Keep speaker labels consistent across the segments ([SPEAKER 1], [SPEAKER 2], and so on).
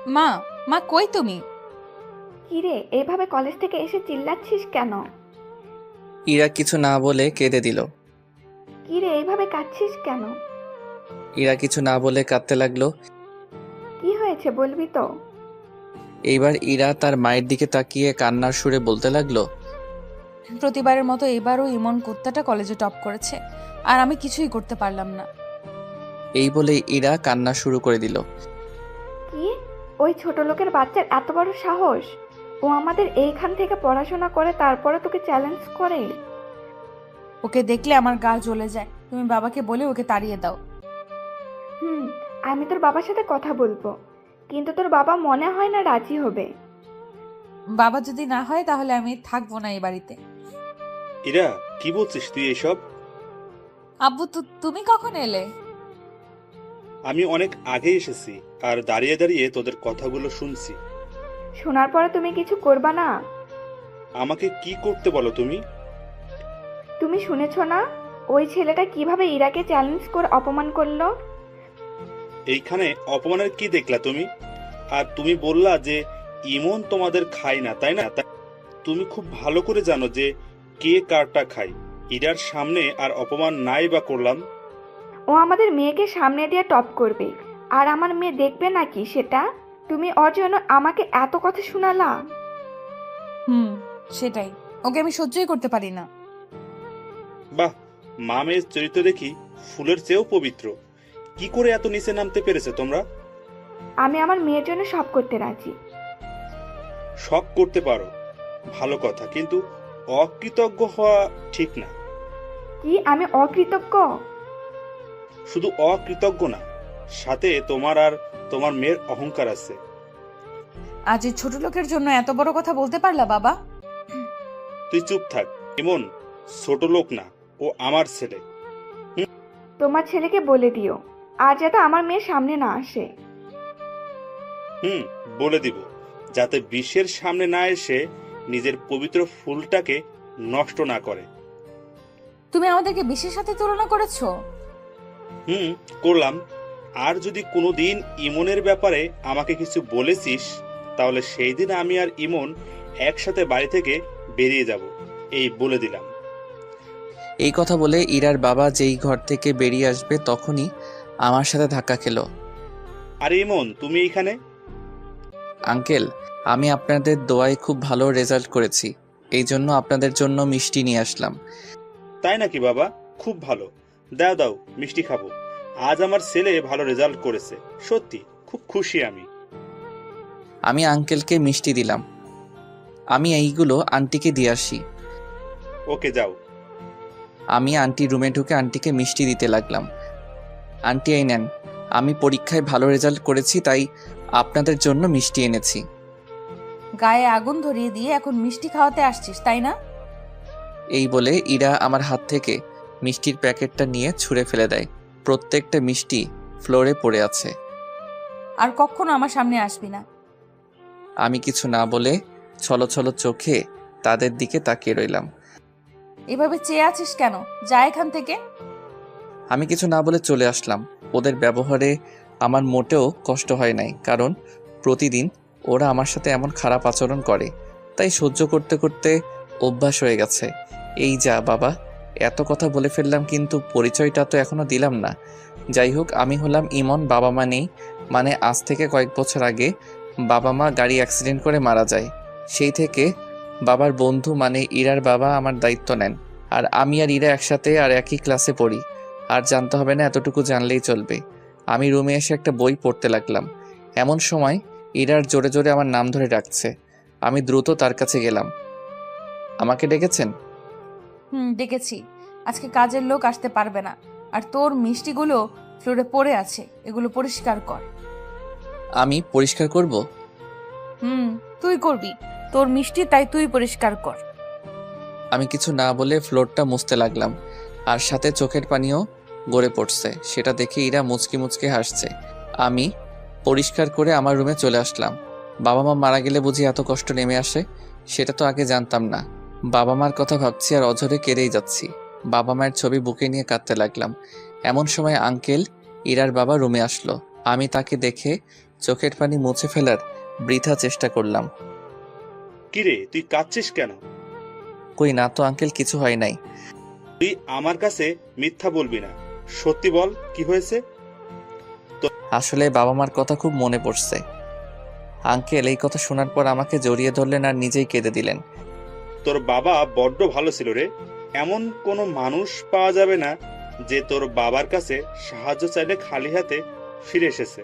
[SPEAKER 1] মা, মা কই তুমি?
[SPEAKER 2] কিরে, এইভাবে কলেজ থেকে এসে চিল্লাচ্ছিস কেন?
[SPEAKER 3] ইরা কিছু না বলে কেঁদে দিল।
[SPEAKER 2] কিরে, এইভাবে কাঁদছিস কেন?
[SPEAKER 3] ইরা কিছু না বলে কাঁদতে লাগলো।
[SPEAKER 2] কি হয়েছে বলবি তো?
[SPEAKER 3] এইবার ইরা তার মায়ের দিকে তাকিয়ে কান্নার সুরে বলতে লাগলো।
[SPEAKER 1] প্রতিবারের মতো এবারও ইমন কুত্তাটা কলেজে টপ করেছে, আর আমি কিছুই করতে পারলাম না।
[SPEAKER 3] এই বলে ইরা কান্না শুরু করে দিল।
[SPEAKER 2] কি? ওই ছোট লোকের বাচ্চার এত বড় সাহস! ও আমাদের এইখান থেকে পড়াশোনা করে তারপরে তোকে চ্যালেঞ্জ করে?
[SPEAKER 1] ওকে দেখলে আমার গা জ্বলে যায়। তুমি বাবাকে বলে ওকে তাড়িয়ে দাও।
[SPEAKER 2] হুম, আমি তোর বাবার সাথে কথা বলবো, কিন্তু তোর বাবা মনে হয় না রাজি হবে।
[SPEAKER 1] বাবা যদি না হয় তাহলে আমি থাকবো না এই বাড়িতে।
[SPEAKER 4] ইরা, কি বলছিস তুই এসব?
[SPEAKER 1] আব্বু, তুমি কখন এলে?
[SPEAKER 4] আমি অনেক আগে এসেছি আর দাঁড়িয়ে দাঁড়িয়ে তোদের কথাগুলো শুনছি।
[SPEAKER 2] শোনার পরে তুমি কিছু করবা না?
[SPEAKER 4] আমাকে কি করতে বলো তুমি?
[SPEAKER 2] তুমি শুনেছ না ওই ছেলেটা কিভাবে ইরাকে চ্যালেঞ্জ করে অপমান করলো?
[SPEAKER 4] এইখানে অপমানের কি দেখলা তুমি? আর তুমি বললা যে ইমন তোমাদের খায় না, তাই না? তুমি খুব ভালো করে জানো যে কে কারটা খায়। ইরার সামনে আর অপমান নাই বা করলাম?
[SPEAKER 2] ও আমাদের মেয়েকে সামনে দিয়ে টপ করবে, আর আমার মেয়ে দেখবে নাকি সেটা? তুমি ওর জন্য আমাকে এত কথা শোনালা।
[SPEAKER 1] হুম, সেটাই। ওকে আমি সহ্যই করতে পারি না।
[SPEAKER 4] বাহ, মা মেয়ের চরিত্র দেখি ফুলের চেয়েও পবিত্র। কি করে এত নিচে নামতে পেরেছে তোমরা?
[SPEAKER 2] আমি আমার মেয়ের জন্য সব করতে রাজি।
[SPEAKER 4] সব করতে পারো, ভালো কথা, কিন্তু অকৃতজ্ঞ হওয়া ঠিক না।
[SPEAKER 2] কি আমি অকৃতজ্ঞ?
[SPEAKER 4] শুধু অকৃতজ্ঞ না, সাথে তোমার আর তোমার মেয়ের অহংকার আছে।
[SPEAKER 1] আজ এই ছোট লোকের জন্য এত বড় কথা বলতে পারলা বাবা?
[SPEAKER 4] তুই চুপ থাক। এমন ছোট লোক না, ও আমার ছেলে।
[SPEAKER 2] তোমার ছেলেকে বলে দিও আর যাতে আমার মেয়ের সামনে না আসে।
[SPEAKER 4] হুম, বলে দিব, যাতে বিশ্বের সামনে না এসে নিজের পবিত্র ফুলটাকে নষ্ট না করে।
[SPEAKER 1] তুমি আমাদেরকে বিশ্বের সাথে তুলনা করেছো।
[SPEAKER 4] হুম, করলাম। আর যদি কোনোদিন ইমনের ব্যাপারে আমাকে কিছু বলেছিস, তাহলে সেই দিন আমি আর ইমন একসাথে বাড়ি থেকে বেরিয়ে যাব, এই বলে দিলাম।
[SPEAKER 3] এই কথা বলে ইরার বাবা যেই ঘর থেকে বেরিয়ে আসবে তখনই আমার সাথে ধাক্কা খেলো।
[SPEAKER 4] আরে ইমন, তুমি এইখানে?
[SPEAKER 3] আঙ্কেল, আমি আপনাদের দোয়ায় খুব ভালো রেজাল্ট করেছি, এই জন্য আপনাদের জন্য মিষ্টি নিয়ে আসলাম।
[SPEAKER 4] তাই নাকি বাবা? খুব ভালো। দাও দাও, মিষ্টি খাবো। আজ আমার ছেলে ভালো রেজাল্ট করেছে, সত্যি খুব খুশি আমি।
[SPEAKER 3] আমি আঙ্কেলকে মিষ্টি দিলাম। আমি এইগুলো আন্টিকে দিয়ে আসি।
[SPEAKER 4] ওকে, যাও।
[SPEAKER 3] আমি আন্টি রুমে ঢুকে আন্টিকে মিষ্টি দিতে লাগলাম। আন্টি এই নেন, আমি পরীক্ষায় ভালো রেজাল্ট করেছি তাই আপনাদের জন্য মিষ্টি এনেছি।
[SPEAKER 1] গায়ে আগুন ধরিয়ে দিয়ে এখন মিষ্টি খাওয়াতে আসছিস, তাই না?
[SPEAKER 3] এই বলে ইরা আমার হাত থেকে মিষ্টির প্যাকেটটা নিয়ে ছুঁড়ে ফেলে দেয়। প্রত্যেকটা মিষ্টি ফ্লোরে পড়ে আছে।
[SPEAKER 1] আর কখনো আমার সামনে আসবি না।
[SPEAKER 3] আমি কিছু না বলে ছলছল চোখে তাদের দিকে তাকিয়ে রইলাম।
[SPEAKER 1] এভাবে চেয়ে আছিস কেন? যা এখান থেকে।
[SPEAKER 3] আমি কিছু না বলে চলে আসলাম। ওদের ব্যবহারে আমার মোটেও কষ্ট হয় নাই, কারণ প্রতিদিন ওরা আমার সাথে এমন খারাপ আচরণ করে, তাই সহ্য করতে করতে অভ্যাস হয়ে গেছে। এই যা বাবা, এত কথা বলে ফেললাম কিন্তু পরিচয়টা তো এখনো দিলাম না। যাই হোক, আমি হলাম ইমন। বাবা মা নেই, মানে আজ থেকে কয়েক বছর আগে বাবা মা গাড়ি অ্যাক্সিডেন্ট করে মারা যায়। সেই থেকে বাবার বন্ধু মানে ইরার বাবা আমার দায়িত্ব নেন। আর আমি আর ইরা একসাথে আর একই ক্লাসে পড়ি। আর জানতে হবে না, এতটুকু জানলেই চলবে। আমি রুমে এসে একটা বই পড়তে লাগলাম। এমন সময় ইরার জোরে জোরে আমার নাম ধরে ডাকছে। আমি দ্রুত তার কাছে গেলাম। আমাকে ডেকেছেন?
[SPEAKER 1] হুম, ডেকেছি। আজকে কাজের লোক আসতে পারবে না, আর তোর মিষ্টিগুলো ফ্লোরে পড়ে আছে, এগুলো পরিষ্কার কর।
[SPEAKER 3] আমি পরিষ্কার করব?
[SPEAKER 1] হুম, তুই করবি। তোর মিষ্টি, তাই তুই পরিষ্কার কর।
[SPEAKER 3] আমি কিছু না বলে ফ্লোরটা মুছতে লাগলাম, আর সাথে চোখের পানিও গড়ে পড়ছে। সেটা দেখে ইরা মুচকি মুচকি হাসছে। আমি পরিষ্কার করে আমার রুমে চলে আসলাম। বাবা মা মারা গেলে বুঝি এত কষ্ট নেমে আসে, সেটা তো আগে জানতাম না। বাবা মার কথা ভাবছি আর অঝরে কেঁদেই যাচ্ছি। বাবা মায়ের ছবি বুকে নিয়ে কাঁদতে লাগলাম। এমন সময় আঙ্কেল ইরার বাবা রুমে আসলো। আমি তাকে দেখে চোখের পানি মুছে ফেলার বৃথা চেষ্টা করলাম।
[SPEAKER 4] কিরে তুই কাঁদছিস কেন?
[SPEAKER 3] কই না তো আঙ্কেল, কিছু হয় নাই।
[SPEAKER 4] তুই আমার কাছে মিথ্যা বলবি না, সত্যি বল কি হয়েছে?
[SPEAKER 3] আসলে বাবা মার কথা খুব মনে পড়ছে। আঙ্কেল এই কথা শোনার পর আমাকে জড়িয়ে ধরলেন আর নিজেই কেঁদে দিলেন।
[SPEAKER 4] তোর বাবা বড্ড ভালো ছিল রে। এমন কোনো মানুষ পাওয়া যাবে না যে তোর বাবার কাছে সাহায্য চাইলে খালি হাতে ফিরে এসেছে।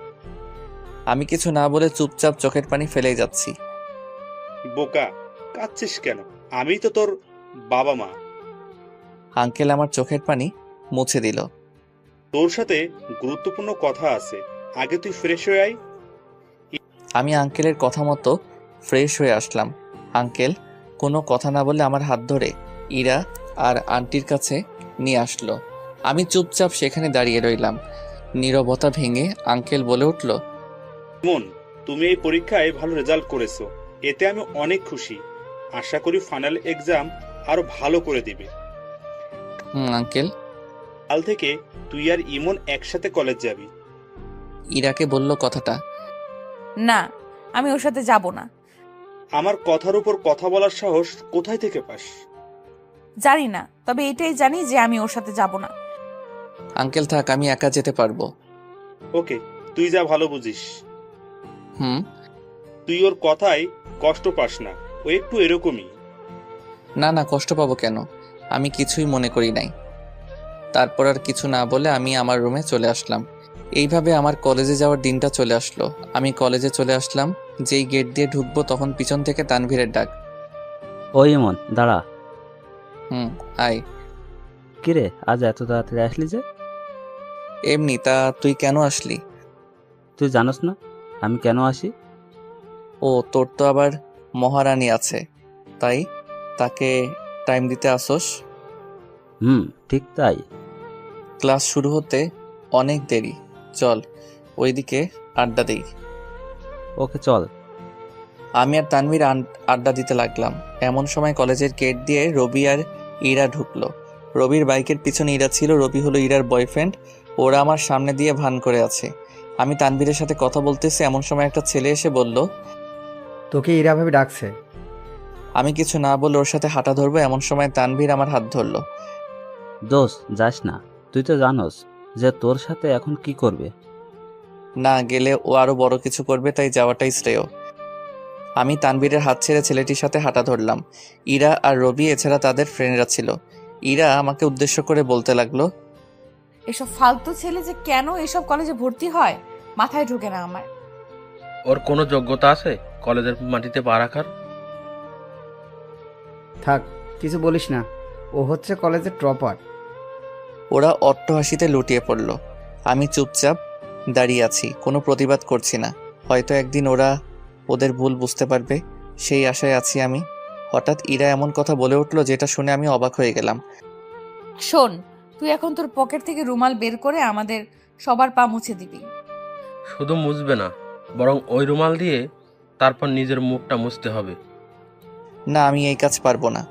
[SPEAKER 3] আমি কিছু না বলে চুপচাপ চোখের পানি ফেলেই যাচ্ছি।
[SPEAKER 4] বোকা, কাঁদছিস কেন? আমি তো তোর বাবা মা।
[SPEAKER 3] আঙ্কেল আমার চোখের পানি মুছে দিল।
[SPEAKER 4] তোর সাথে গুরুত্বপূর্ণ কথা আছে, আগে তুই ফ্রেশ হয়ে আয়।
[SPEAKER 3] আমি আঙ্কেলের কথা মতো ফ্রেশ হয়ে আসলাম। আঙ্কেল কোনো কথা না বলে আমার হাত ধরে ইরা আর আন্টির কাছে নিয়ে আসলো। আমি চুপচাপ সেখানে দাঁড়িয়ে রইলাম। নীরবতা ভেঙে আঙ্কেল বলে উঠল,
[SPEAKER 4] মন, তুমি এই পরীক্ষায় ভালো রেজাল্ট করেছো, এতে আমি অনেক খুশি। আশা করি ফাইনাল এক্সাম আরো ভালো করে দিবে।
[SPEAKER 3] আঙ্কেল।
[SPEAKER 4] কাল থেকে তুই আর ইমন একসাথে কলেজ যাবি।
[SPEAKER 3] ইরাকে বলল কথাটা।
[SPEAKER 1] না, আমি ওর সাথে যাব না।
[SPEAKER 4] আমার কথার উপর কথা বলার সাহস কোথায় থেকে পাস?
[SPEAKER 1] জানি না, তবে এটাই জানি যে আমি ওর সাথে যাব না।
[SPEAKER 3] আঙ্কেল থাক, আমি একা যেতে পারবো।
[SPEAKER 4] ওকে, তুই যা ভালো বুঝিস।
[SPEAKER 3] হুম।
[SPEAKER 4] তুই ওর কথায় কষ্ট পাস না, ও একটু এরকমই।
[SPEAKER 3] না না, কষ্ট পাবো কেন? আমি কিছুই মনে করি নাই। তারপর আর কিছু না বলে আমি আমার রুমে চলে আসলাম। এইভাবে আমার কলেজে যাওয়ার দিনটা চলে আসলো। আমি কলেজে চলে আসলাম, যেই গেট দিয়ে ঢুকবো তখন পিছন থেকে তানভীরের ডাক।
[SPEAKER 5] ওই ইমন, দাঁড়া।
[SPEAKER 3] আয়।
[SPEAKER 5] কিরে, আজ এত তাড়াতাড়ি আসলি যে?
[SPEAKER 3] এমনি, তা তুই কেন আসলি?
[SPEAKER 5] তুই জানোস না আমি কেন আসি?
[SPEAKER 3] ও, তোর তো আবার মহারানী আছে, তাই তাকে টাইম দিতে আসোস?
[SPEAKER 5] ঠিক তাই।
[SPEAKER 3] ক্লাস শুরু হতে অনেক দেরি, চল ওইদিকে আড্ডা দেই।
[SPEAKER 5] ওকে চল।
[SPEAKER 3] আমি আর তানভীর আড্ডা দিতে লাগলাম। এমন সময় কলেজের গেট দিয়ে রবি আর ইরা ঢুকলো। রবির বাইকের পিছনে ইরা ছিল। রবি হলো ইরার বয়ফ্রেন্ড। ওরা আমার সামনে দিয়ে ভান করে আছে। আমি তানভীরের সাথে কথা বলতেছি, এমন সময় একটা ছেলে এসে বলল,
[SPEAKER 6] তোকে ইরা ভাবে ডাকছে।
[SPEAKER 3] আমি কিছু না বলে ওর সাথে হাঁটা ধরবো, এমন সময় তানভীর আমার হাত ধরলো।
[SPEAKER 5] দোস্ত, যাস না, তুই তো জানোস যে তোর সাথে এখন কি করবে।
[SPEAKER 3] না গেলে ও আরো বড় কিছু করবে, তাই যাওয়াটাই শ্রেয়। আমি তানভীরের হাত ছেড়ে ছেলেটির সাথে হাঁটা ধরলাম। ইরা আর রবি এছাড়া তাদের ফ্রেন্ডরা ছিল। ইরা আমাকে উদ্দেশ্য করে বলতে লাগলো,
[SPEAKER 1] এসব ফালতু ছেলে যে কেন এসব কলেজে ভর্তি হয় মাথায় ঢোকে না আমার।
[SPEAKER 7] ওর কোনো যোগ্যতা আছে কলেজের মাটিতে পা রাখার?
[SPEAKER 6] থাক, কিছু বলিস না, ও হচ্ছে কলেজের টপার।
[SPEAKER 3] ওরা অট্টহাসিতে লুটিয়ে পড়ল। আমি চুপচাপ দাঁড়িয়ে আছি, কোনো প্রতিবাদ করছি না। হয়তো একদিন ওরা ওদের ভুল বুঝতে পারবে, সেই আশায় আছি আমি। হঠাৎ ইরা এমন কথা বলে উঠল যেটা শুনে আমি অবাক হয়ে গেলাম।
[SPEAKER 1] শোন, তুই এখন তোর পকেট থেকে রুমাল বের করে আমাদের সবার পা মুছে দিবি।
[SPEAKER 7] শুধু মুছবে না, বরং ওই রুমাল দিয়ে তারপর নিজের মুখটা মুছতে হবে।
[SPEAKER 3] না, আমি এই কাজ পারবো না।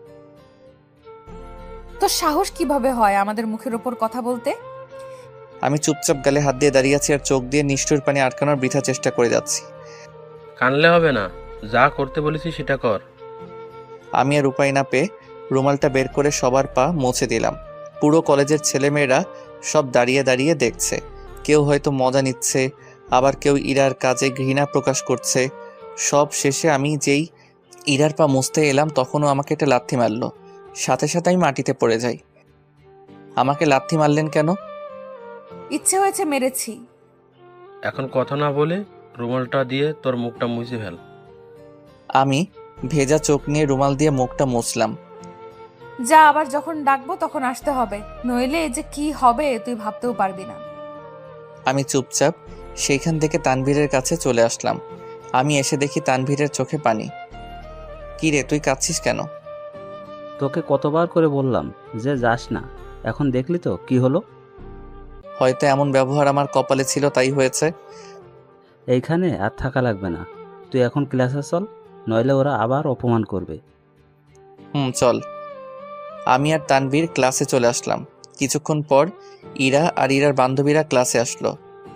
[SPEAKER 1] তোর সাহস কিভাবে হয় আমাদের মুখের ওপর কথা বলতে?
[SPEAKER 3] আমি চুপচাপ গালে হাত দিয়ে দাঁড়িয়ে আছি আর চোখ দিয়ে নিষ্ঠুর পানি আটকানোর বৃথা চেষ্টা করে যাচ্ছি।
[SPEAKER 7] কানলে হবে না, যা করতে বলেছি সেটা কর।
[SPEAKER 3] আমি আর উপায় না পেয়ে রুমালটা বের করে সবার পা মুছে দিলাম। পুরো কলেজের ছেলেমেয়েরা সব দাঁড়িয়ে দাঁড়িয়ে দেখছে। কেউ হয়তো মজা নিচ্ছে, আবার কেউ ইরার কাজে ঘৃণা প্রকাশ করছে। সব শেষে আমি যেই ইরার পা মুছতে এলাম তখনও আমাকে একটা লাথি মারলো। সাথে সাথে আমি মাটিতে পড়ে যাই। আমাকে লাথি মারলেন কেন?
[SPEAKER 1] ইচ্ছে হয়েছে, মেরেছি।
[SPEAKER 7] এখন কথা না বলে রুমালটা দিয়ে তোর মুখটা মুছে ফেল।
[SPEAKER 3] আমি ভেজা চোখ নিয়ে রুমাল দিয়ে মুখটা মুছলাম।
[SPEAKER 1] যা, আবার যখন ডাকবো তখন আসতে হবে, নইলে যে কি হবে তুই ভাবতেও পারবি না।
[SPEAKER 3] আমি চুপচাপ সেইখান থেকে তানভীরের কাছে চলে আসলাম। আমি এসে দেখি তানভীরের চোখে পানি। কি রে, তুই কাঁদছিস কেন?
[SPEAKER 5] তোকে কতবার করে বললাম যে যাস না, এখন দেখলি তো কি হলো।
[SPEAKER 3] হয়তো এমন ব্যবহার আমার কপালে ছিল, তাই হয়েছে।
[SPEAKER 5] এইখানে আর থাকা লাগবে না, তুই এখন ক্লাসে চল, নইলে ওরা আবার অপমান করবে।
[SPEAKER 3] চল। আমি আর তানভীর ক্লাসে চলে আসলাম। কিছুক্ষণ পর ইরা আর ইরার বান্ধবীরা ক্লাসে আসলো।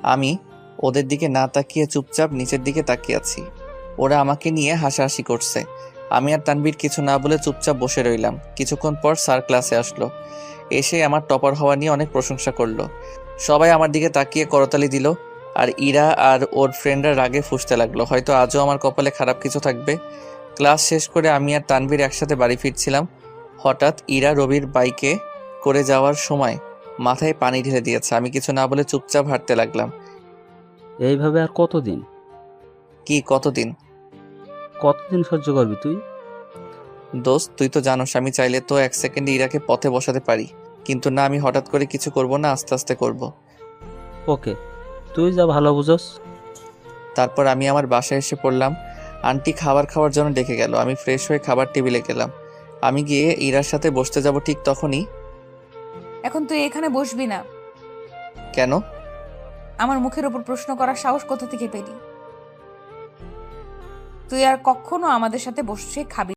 [SPEAKER 3] আমি ওদের দিকে না তাকিয়ে চুপচাপ নিচের দিকে তাকিয়ে আছি। ওরা আমাকে নিয়ে হাসাহাসি করছে। আমি আর তানবীর কিছু না বলে চুপচাপ বসে রইলাম। কিছুক্ষণ পর স্যার ক্লাসে আসলো। এসে আমার টপার হওয়া নিয়ে অনেক প্রশংসা করলো। সবাই আমার দিকে তাকিয়ে করতালি দিল। আর ইরা আর ওর ফ্রেন্ডরা রাগে ফুঁসতে লাগলো, হয়তো আজও আমার কপালে খারাপ কিছু থাকবে। ক্লাস শেষ করে আমি আর তানভীর একসাথে বাড়ি ফিরছিলাম। হঠাৎ ইরা রবির বাইকে করে যাওয়ার সময় মাথায় পানি ঢেলে দিয়েছে। আমি কিছু না বলে চুপচাপ হাঁটতে লাগলাম।
[SPEAKER 5] এইভাবে আর কতদিন
[SPEAKER 3] কি কতদিন?
[SPEAKER 5] কতদিন সহ্য করবি তুই?
[SPEAKER 3] দোস্ত, তুই তো জানোস আমি চাইলে তো 1 সেকেন্ডে ইরাকে পথে বসাতে পারি, কিন্তু না, আমি হঠাৎ করে কিছু করব না, আস্তে আস্তে করব।
[SPEAKER 5] ওকে, তুই যা ভালো বুঝোস।
[SPEAKER 3] তারপর আমি আমার বাসায় এসে পড়লাম। আন্টি খাবার খাওয়ার জন্য ডেকে গেল। আমি ফ্রেশ হয়ে খাবার টেবিলে গেলাম। আমি গিয়ে ইরার সাথে বসতে যাব, ঠিক তখনই।
[SPEAKER 1] এখন তুই এখানে বসবি না।
[SPEAKER 3] কেন?
[SPEAKER 1] আমার মুখের উপর প্রশ্ন করার সাহস কোথা থেকে পেলি? তুই আর কখনো আমাদের সাথে বসে খাবি